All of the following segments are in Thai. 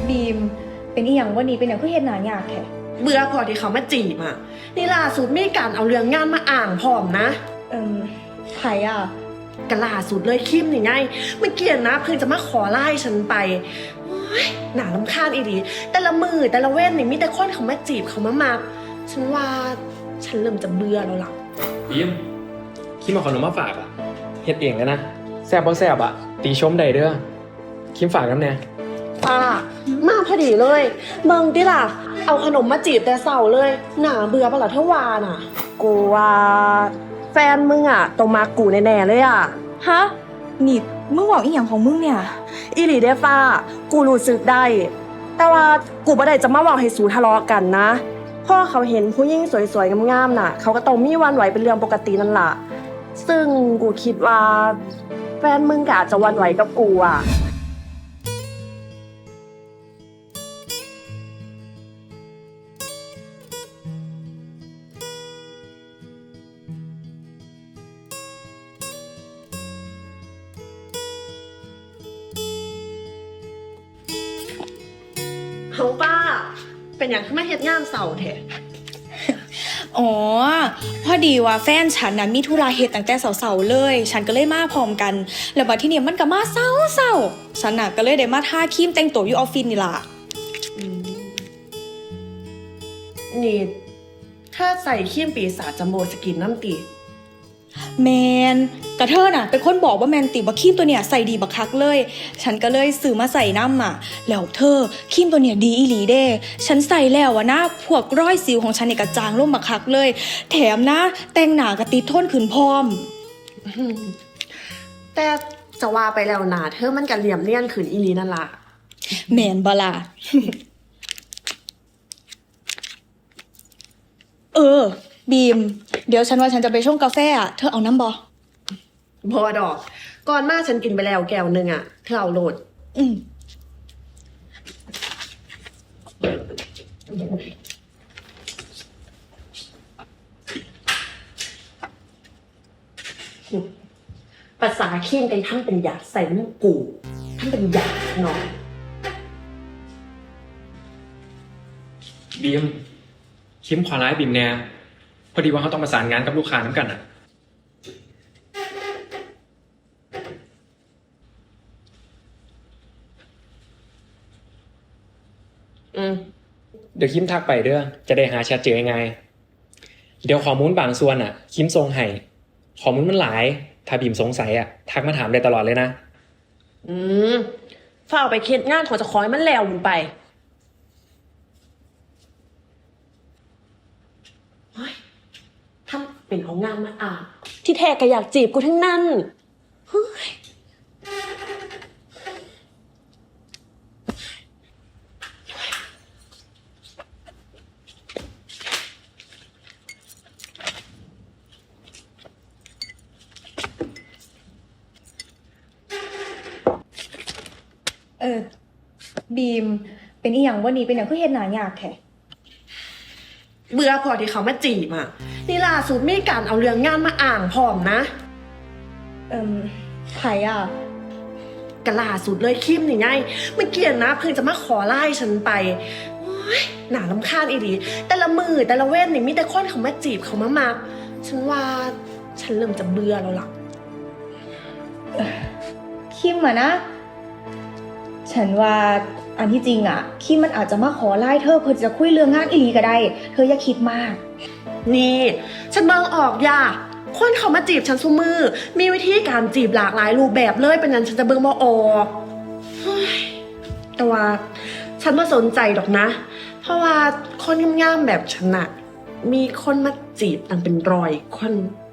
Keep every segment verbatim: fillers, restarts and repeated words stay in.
บีมเป็นอีหยังวันนี้เป็นอย่างคือเฮ็ดหน้ายากแท้เบื่อพอที่เขามาจีบอ่ะนี่ล่าสุดมีการเอาเรื่องงานมาอ่างพร้อมนะเอิ่มไผอ่ะกล่าสุดเลยคิมนี่ไงเมื่อกี้นะเพิ่งจะมาขอไล่ฉันไปโอ๊ยหนาลำคาญอีดีแต่ละมือแต่ละเว้นนี่มีแต่คนเขามาจีบเขามามักฉันว่าฉันเริ่มจะเบื่อแล้วล่ะบีมคิมเอาขนมมาฝากอ่ะเฮ็ดเองแล้วนะแซ่บบ่แซ่บอ่ะตีชมได้เด้อคิมฝากน้ำเนี่ยป้ามาพอดีเลยเมืองดิล่ะเอาขนมมาจีบแต่เสาเลยหนาเบื่อปะล่ะเท่าวาน่ะกูว่าแฟนมึงอ่ะต้องมากูแน่ๆเลยอ่ะฮะนี่มึงบอกอีหยังของมึงเนี่ยอีหลีเด้ฟ้ากูรู้สึกได้แต่ว่ากูบ่ได้จะมาบอกให้สูทะเลาะกันนะพ่อเขาเห็นผู้หญิงสวยๆงามๆน่ะเขาก็ต้องมีวันไหวเป็นเรื่องปกตินั่นล่ะซึ่งกูคิดว่าแฟนมึงก็อาจจะวันไหวกับกูอ่ะเฮาป้าเป็นอย่างที่มาเฮ็ดงานเสาแท้อ๋อพอดีว่าแฟนฉันน่ะมีธุระเฮ็ดตั้งแต่เสาๆเลยฉันก็เลยมาพร้อมกันแล้วบัดทีนี้มันก็มาเศร้าๆฉันน่ะก็เลยได้มาทาครีมแต่งตัวอยู่ออฟฟิศนี่ล่ะนี่ถ้าใส่ครีมปีศาจจัมโบ้สกินน้ำตีแมนกระเทอน่ะเป็นคนบอกว่าแมนติว่าครีมตัวเนี้ยใส่ดีบักคักเลยฉันก็เลยซื้อมาใส่น้ำอ่ะแล้วเธอครีมตัวเนี้ยดีอีหลีเด้ฉันใส่แล้วอะนะพวกรอยสิวของฉันเนี่ยกระจางลงบักคักเลยแถมนะแต่งหน้ากระติดทนขึ้นพร้อมแต่จะว่าไปแล้วนะเธอมันกันเหลี่ยมเลี่ยนขึ้นอีหลีนั่นล่ะแมนบลา เออบีมเดี๋ยวฉันว่าฉันจะไปชงกาแฟอ่ะเธอเอาน้ำบอบอดอกก่อนมาฉันกินไปแล้วแก้วหนึ่งอ่ะเธอเอาโหลดอืมภาษาขี้นกันทั้งเป็นหยาใส่น้ำกูทั้งเป็นหยาเนาะบีมคิมขอร้ายบีมแน่พอดีว่าเขาต้องประสานงานกับลูกค้าน้ำกันอ่ะอืมเดี๋ยวคิมทักไปเด้อจะได้หาแชทเจอยังไงเดี๋ยวข้อมูลบางส่วนอ่ะคิมส่งให้ข้อมูลมันหลายถ้าบีมสงสัยอ่ะทักมาถามได้ตลอดเลยนะอืมฝ้าเอาไปเค็ดงานขอจะคอยมันแล้วมึงไปเฮ้ยทำเป็นเอางานมาอ่านที่แท้ก็อยากจีบกูทั้งนั้นเฮ้ยเออบีมเป็นอีหยังวันนี้เป็นอย่างคือเฮ็ดหน้ายากแท้เบื่อพอที่เขามาจีบอ่ะนี่ล่าสุดมีการเอาเรื่องงานมาอ่างพร้อมนะเอิ่มไผอ่ะกล่าสุดเลยคิมนี่ไงเมื่อกี้นะเพิ่งจะมาขอไล่ฉันไปโอ๊ยหนาลำคาญอีดีแต่ละมือแต่ละเว้นนี่มีแต่คนเขามาจีบเขามามักฉันว่าฉันเริ่มจะเบื่อแล้วล่ะคิมอ่ะนะฉันว่าอันที่จริงอ่ะคิมมันอาจจะมาขอไล่เธอเพื่อจะคุยเรื่องงานอีหลีก็ได้เธออย่าคิดมากนี่ฉันมองออกย่าคนเขามาจีบฉันซุมือมีวิธีการจีบหลากหลายรูปแบบเลยเป็นนั้นฉันจะเบิ่งบ่ออกแต่ว่าฉันไม่สนใจดอกนะเพราะว่าคนงามๆแบบฉันน่ะมีคนมาจีบตั้งเป็นร้อยคน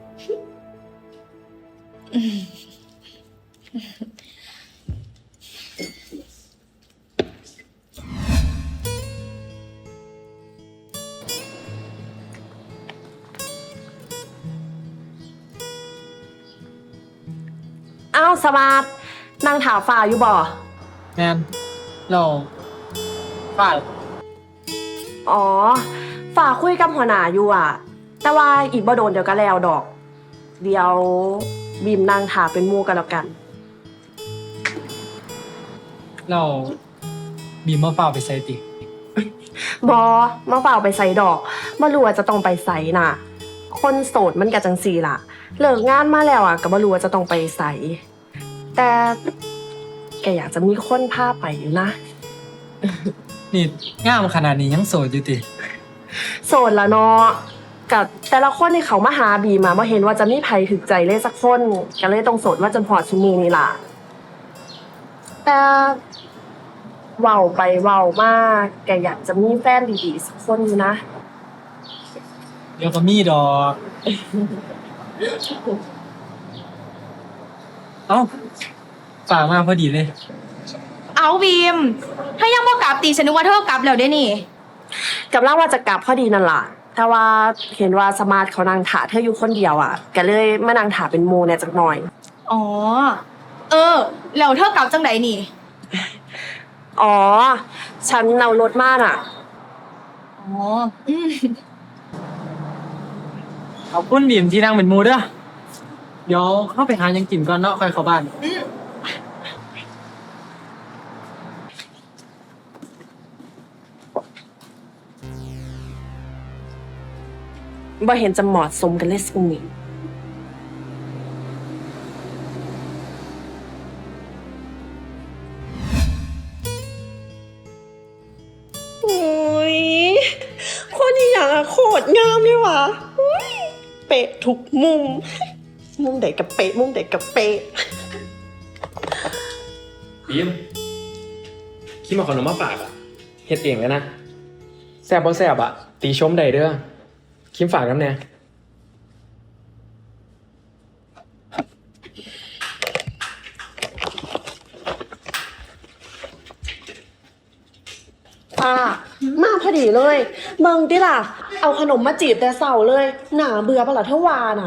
อ้าวสมาร์ทนั่งถามฝ่าอยู่บ่แมนเราฝ่าอ๋อฝ่าคุยกับหัวหน้าอยู่อ่ะแต่ว่าอีกบ่โดนเดี๋ยวก็แล้วดอกเดี๋ยวบีมนั่งถามเป็นหมู่กันแล้วกันเราบีมมาเฝ้าไปใส่ติบอมาเปล่าไปใส่ดอกมารู้ว่าจะต้องไปใส่น่ะ คนโสดมันกะจังสีล่ะ เลิกงานมาแล้วอ่ะก็บ่รู้ว่าจะต้องไปใส่แต่แกอยากจะมีคนพาไปอยู่นะนี่งามขนาดนี้ยังโสดอยู่ติโสดละเนาะกับแต่ละคนที่เขามาหาบีมาบ่เห็นว่าจะมีไผถึกใจเลยสักคนก็เลยต้องโสดว่าจนพอดซุมือนี่ล่ะ แต่เว้าไปเว้ามาแกอยากจะมีแฟนดีๆสักคนอยู่นะเดี๋ยวก็มีดอก เอ้าฝากมาพอดีเลยเอาบีมถ้ายังบ่กลับตีฉันนึกว่าเธอกลับแล้วเด้นี่กำลังว่าจะกลับพอดีนั่นล่ะแต่ว่าเห็นว่าสมาร์ทเขานั่งถาเธออยู่คนเดียวอ่ะก็เลยมานั่งถาเป็นโมเนี่ยจักหน่อยอ๋อ เออ แล้วเธอกลับจังไดนี่อ๋อ ฉันเอารถมาน่ะอ๋อ อืมขอบคุณบีมที่นั่งเป็นหมูเด้อเดี๋ยวเข้าไปหาหยังกินก่อนเนาะค่อยเข้าบ้านบ่เห็นจะเหมาะสมกันเลยสักนิดโอ้ยคนนี้อย่างอะโคตรงามเลยว่ะอุ๊ยเป๊ะทุกมุม มุมไหนกับเป๊ะ มุมไหนกับเป๊ะบีมคิมเอาขนมมาฝากอะเฮ็ดเองเลยนะแซ่บบ่แซ่บอะตีชมได้เด้อคิมฝากน้ำแน่ป้ามาพอดีเลยเมืองติล่ะ เอาขนมมาจีบแต่เสาเลย หนาเบื่อปะล่ะเทวาน่ะ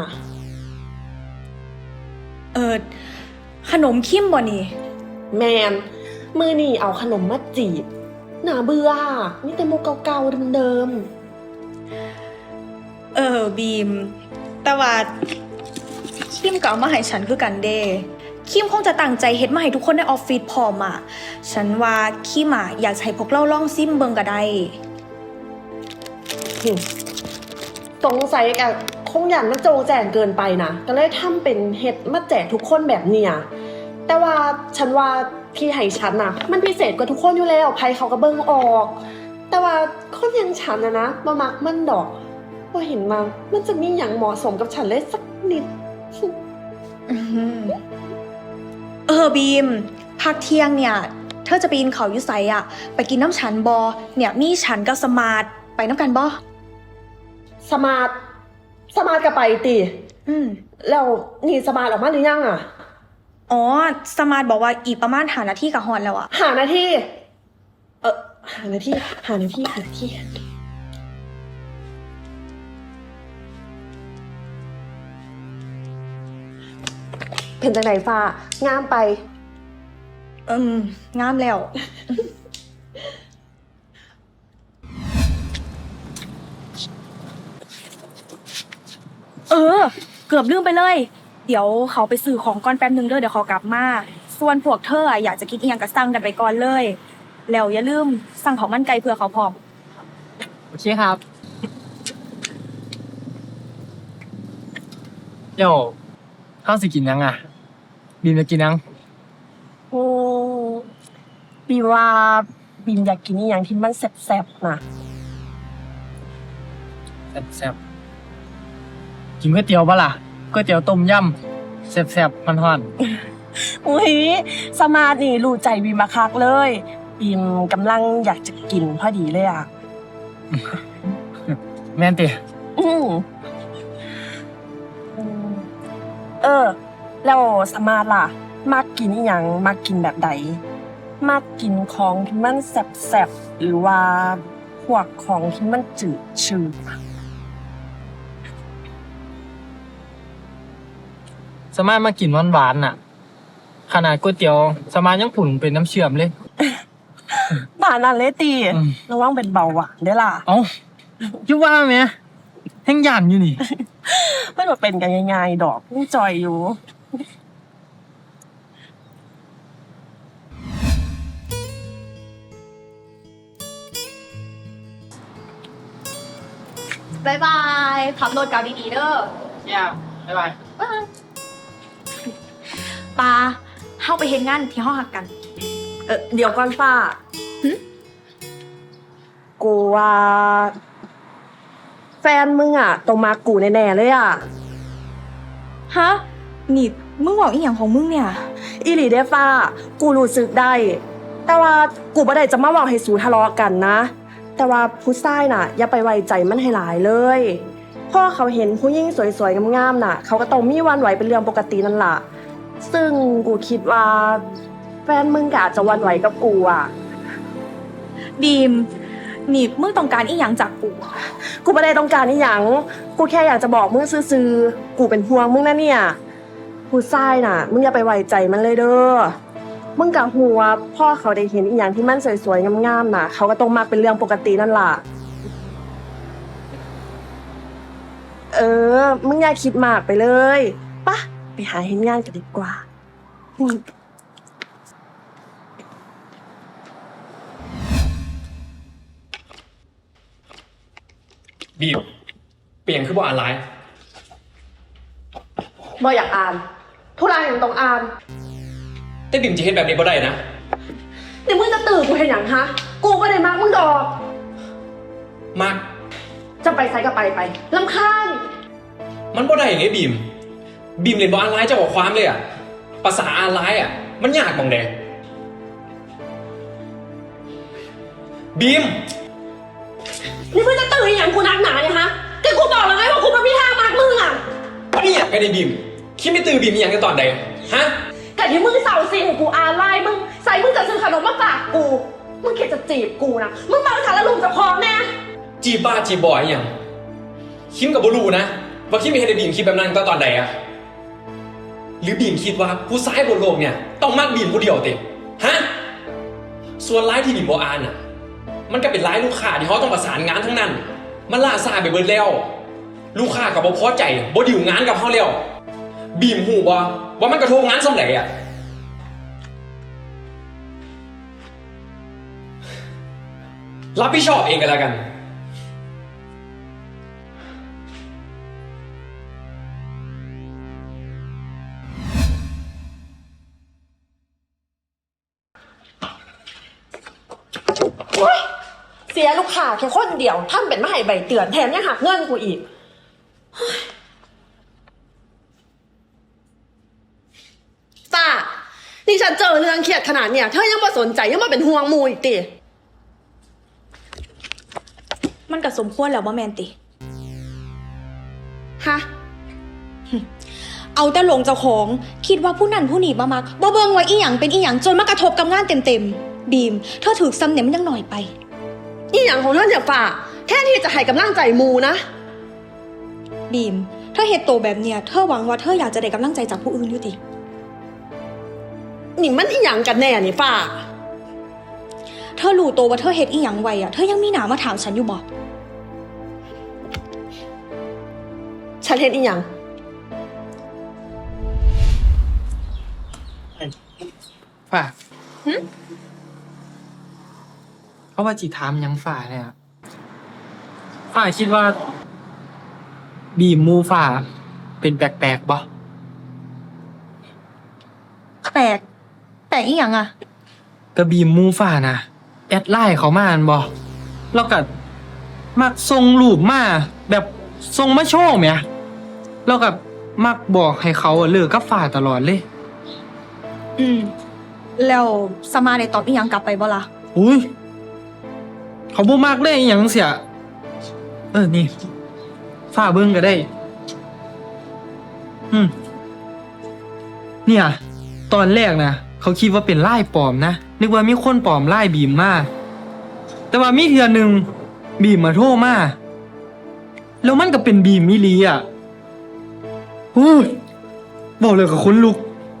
เออ ขนมคิมบ่นี่แมน มือนี่เอาขนมมาจีบ หนาเบื่อนี่แต่โมกเก่าๆเดิมเออบีม แต่ว่าคิมก็เอามาให้ฉันคือกันเดคิมคงจะตั้งใจเฮ็ดมาให้ทุกคนในออฟฟิศพร้อมอ่ะ ฉันว่าคิมอ่ะอยากจะให้พวกเราลองซิมเบิงก็ได้ๆสงสัยกับคงอย่างมันโจงแจงเกินไปนะก็เลยทำเป็นเฮ็ดมาแจกทุกคนแบบเนี้ยแต่ว่าฉันว่าที่ให้ฉันน่ะ มันพิเศษกว่าทุกคนอยู่แล้วใครเขาก็เบิ่งออก แต่ว่าคนอย่างฉันนะนะมามักมันดอกพอเห็นมามันจะมีอย่างเหมาะสมกับฉันเลยสักนิดอื้อหือเออบีมพักเที่ยงเนี่ย เธอจะไปกินเขาวอยุไสอ่ะ ไปกินน้ำฉันบอเนี่ยมีฉันกับสมาร์ทไปน้ำกันบอสมาร์ทสมาร์ทก็ไปติอืมแล้วนี่สมาร์ทออกมาหรือยังอ่ะอ๋อ สมาร์ทบอกว่าอีกประมาณหานาทีกับฮอนแล้วอ่ะหานาทีเออหานาทีหานาทีหานาทีเป็นจังไหนฟ้างามไปอืมงามแล้ว เออ เกือบลืมไปเลย เดี๋ยวเขาไปซื้อของก่อนแป๊บนึงเด้อเดี๋ยวเขากลับมา ส่วนพวกเธออะอยากจะกินอีหยังก็สั่งกันไปก่อนเลย แล้วอย่าลืมสั่งของมันไก่เผื่อเขาพร้อมโอเคครับ เดี๋ยวเข้าสิกินยังอ่ะ บีมจะกินยังโอ้บีมว่าบีมอยากกินอหย่างที่มันแซ่บๆนะแซ่บๆกินก๋วยเตี๋ยวปะล่ะก๋วยเตี๋ยวต้มยำแซ่บๆมันห่อนอุ้ยสมาร์ทนี่รู้ใจบีมมาคักเลยบีมกำลังอยากจะกินพอดีเลยอ่ะแม่นติอืมเออ แล้วสมาร์ทล่ะมักกินอหย่างมักกินแบบใดมักกินของที่มันแซ่บๆหรือว่าพวกของที่มันจืดชืดสามารถมากินหวานๆน่ะ ขนาดก๋วยเตี๋ยวสามารถยังผุ่นเป็นน้ำเชื่อมเลยบ้านนั่นเลยตีอืมระวังเป็นเบาหวานได้อล่ะเอ้าอยุว่าไหมแห้งย่านอยู่นี่ไม่ว่าเป็นกันง่ายๆดอกนี่จอยอยู่บายบายขับรถกลับดีๆเด้อเนี่ยบ๊ายบายปาเข้าไปเฮ็ดงานที่ห้องหักกันเออเดี๋ยวก่อนฟ้าหึกูว่าแฟนมึงอ่ะตรงมากูแน่ๆเลยอ่ะฮะนี่มึงบอกอีหยังของมึงเนี่ยอีหลีเด้ฟ้า กูรู้สึกได้ แต่ว่ากูบ่ได้จะมาบอกให้สูทะเลาะกันนะ แต่ว่าผู้ชายน่ะ อย่าไปไว้ใจมันให้หลายเลยพ่อเขาเห็นผู้หญิงสวยๆงามๆน่ะ เขาก็ต้องมีหวันไหวเป็นเรื่องปกตินั่นล่ะ ซึ่งกูคิดว่า แฟนมึงก็อาจจะหวันไหวกับกูอ่ะบีมนี่มึงต้องการอีหยังจากกูกูไม่ได้ต้องการนี่หยัง กูแค่อยากจะบอกมึงซื่อๆ กูเป็นห่วงมึงนะเนี่ย ผู้ชายน่ะ มึงอย่าไปไว้ใจมันเลยเด้อ มึงกะหัวพ่อเขาได้เห็นอีหยังที่มันสวยๆงามๆน่ะ เขาก็ต้องมักเป็นเรื่องปกตินั่นล่ะ เออ มึงอย่าคิดมากไปเลยปะไปหาเห็นงานกันดีกว่าบีมเปลี่ยนคือบ่อ่านไลน์บ่อยากอ่านทุรายยังต้องอ่านแต่บีมจะเห็นแบบนี้บ่ได้นะเดี๋ยวมึงจะตื่นกูเห็นอย่างฮะ กูก็ได้มากมึงดอกมากจะไปไซก็ไปไปลำคาญมันบ่ได้ไงบีม บีมเรียนบ่อ่านไลน์เจ้าของความเลยอะภาษาอ่านไลน์อะมันยากมองเดบีมนี่มึงจะตื่นอย่างกูนักหนาเนี่ยฮะแต่กูบอกแล้วไงว่ากูเป็นพี่ทางมากมึงอ่ะนี่อยากไปในบีม คิดไม่ตื่นบีมอหย่างกันตอนใดฮะแต่ที่มึงเสาซีของกูอาไลน์มึงใส่มึงจะซื้อขนมมาฝากกู มึงคิดจะจีบกูนะ มึงมาสารลุมจะพร้อมแน่จีบบ้าจีบบอยอหย่างคิมกับบรูนะว่าคิมไม่เห็นในบีมคิดแบบนั้นตอนตอนใดอะหรือบีมคิดว่าผู้ชายบนโลกเนี่ยต้องมากบีมผู้เดียวติฮะส่วนไลน์ที่บีมบออ่านอะมันก็เป็นไลน์ลูกค้าที่เขาต้องประสานงานทั้งนั้น มันล่าซาไปเบิดแล้ว ลูกค้ากับบ่พอใจบ่ดิวงานกับเขาแล้วบีมหูบ่ว่ามันกระทบงานสำเร็จอะรับผิดชอบเองกันแล้วกันเสียลูกค้าแค่คนเดียวท่านเป็นมาให้ใบเตือนแถมยังหักเงินกูอีกเฮ้ยป้านี่ฉันเจอเรื่องเครียดขนาดเนี่ยเธอยังมาสนใจยังมาเป็นห่วงมูอีกติมันก็สมควรแล้วบ่แมนติฮะเอาแต่หลงเจ้าของคิดว่าผู้นั้นผู้นี้มามักบ่เบิ่งว่าอีหยังเป็นอีหยังจนมากระทบกับงานเต็มๆบีมเธอถือซ้ำเนี่ยมันยังหน่อยไปอีหยังของเธอเนี่ยฝ่าแค่ที่จะให้กำลังใจมูนะบีมเธอเฮ็ดโตแบบเนี้ยเธอหวังว่าเธออยากจะได้กำลังใจจากผู้อื่นอยู่ตินี่มันอีหยังกันแน่นี่ฝ่าเธอรู้โตว่าเธอเฮ็ดอีหยังไว้อะเธอยังมีหน้ามาถามฉันอยู่บ่ฉันเห็นอีหยังฝ่าเขาว่าจีถามหยังฝ่าเนี่ยฝ่าคิดว่า บีมมูฝ่า เป็นแปลกๆบ่แปลกแปลกอีหยังอะก็บีมมูฝ่านะแอดไลน์เขามาอันบ่แล้วก็มักส่งรูปมาแบบส่งมาโชว์แหมแล้วก็มักบอกให้เขาอะเลิกกับฝ่าตลอดเลยอืมแล้วสมาได้ตอบอีหยังกลับไปบ่ล่ะอุ้ยเขาบ่มักเลยอหย่างเสียเออนี่ฝ่าเบิ่งก็ได้ อืมเนี่ย ตอนแรกนะเขาคิดว่าเป็นไล่ปลอมนะนึกว่ามีคนปลอมไล่บีมมาแต่ว่ามีเทื่อหนึ่งบีมมาโทรมาแล้วมันก็เป็นบีมมิลีอ่ะอู้ยบอกเลยกับคนลุก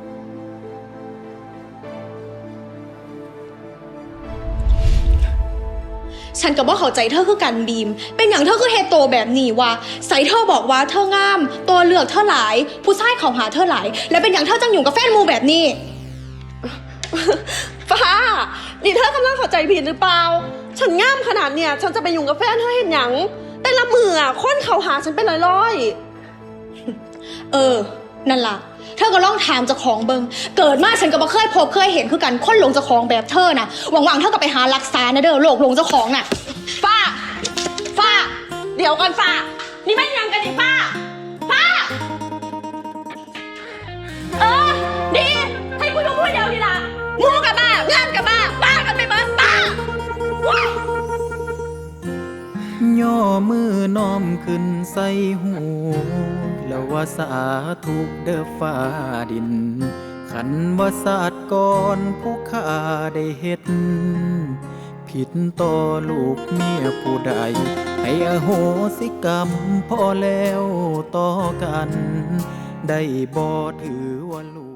ฉันก็บ่เข้าใจเธอคือกันบีม เป็นอย่างเธอคือเฮดโตแบบนี้วะใส่เธอบอกว่าเธองาม ตัวเลือกเธอหลาย ผู้ชายเขาหาเธอหลาย และเป็นอย่างเธอจังอยู่กับแฟนมูแบบนี้ฟ้า นี่เธอกำลังเข้าใจผิดหรือเปล่า ฉันง่ามขนาดเนี่ย ฉันจะไปยุ่งกับแฟนเธอเห็นหยัง แต่ลมืออะคนเขาหาฉันเป็นร้อยๆเออ นั่นล่ะ เธอก็ลองถามเจ้าของเบิงเกิดมาฉันก็บ่เคยพบเคยเห็นคือกันคนหลงเจ้าของแบบเธอน่ะหวังๆเธอก็ไปหารักษานะเด้อโรคหลงเจ้าของน่ะฟ้า ฟ้า เดี๋ยวก่อนฟ้า นี่ไม่ยังกันดิฟ้า ฟ้า เออ ดี ให้กูอยู่พูดเดียวดีละงูกับบ้างานกับบ้าบ้ากันไปเบิดบ้าว้ายย่อมือน้อมขึ้นใส่หู แล้วว่าสาธุเด้อฟ้าดิน ขันว่าศาสตร์ก่อนผู้ข้าได้เฮ็ด ผิดต่อลูกเมียผู้ใด ให้อโหสิกรรมพอแล้วต่อกัน ได้บ่ถือว่าลูก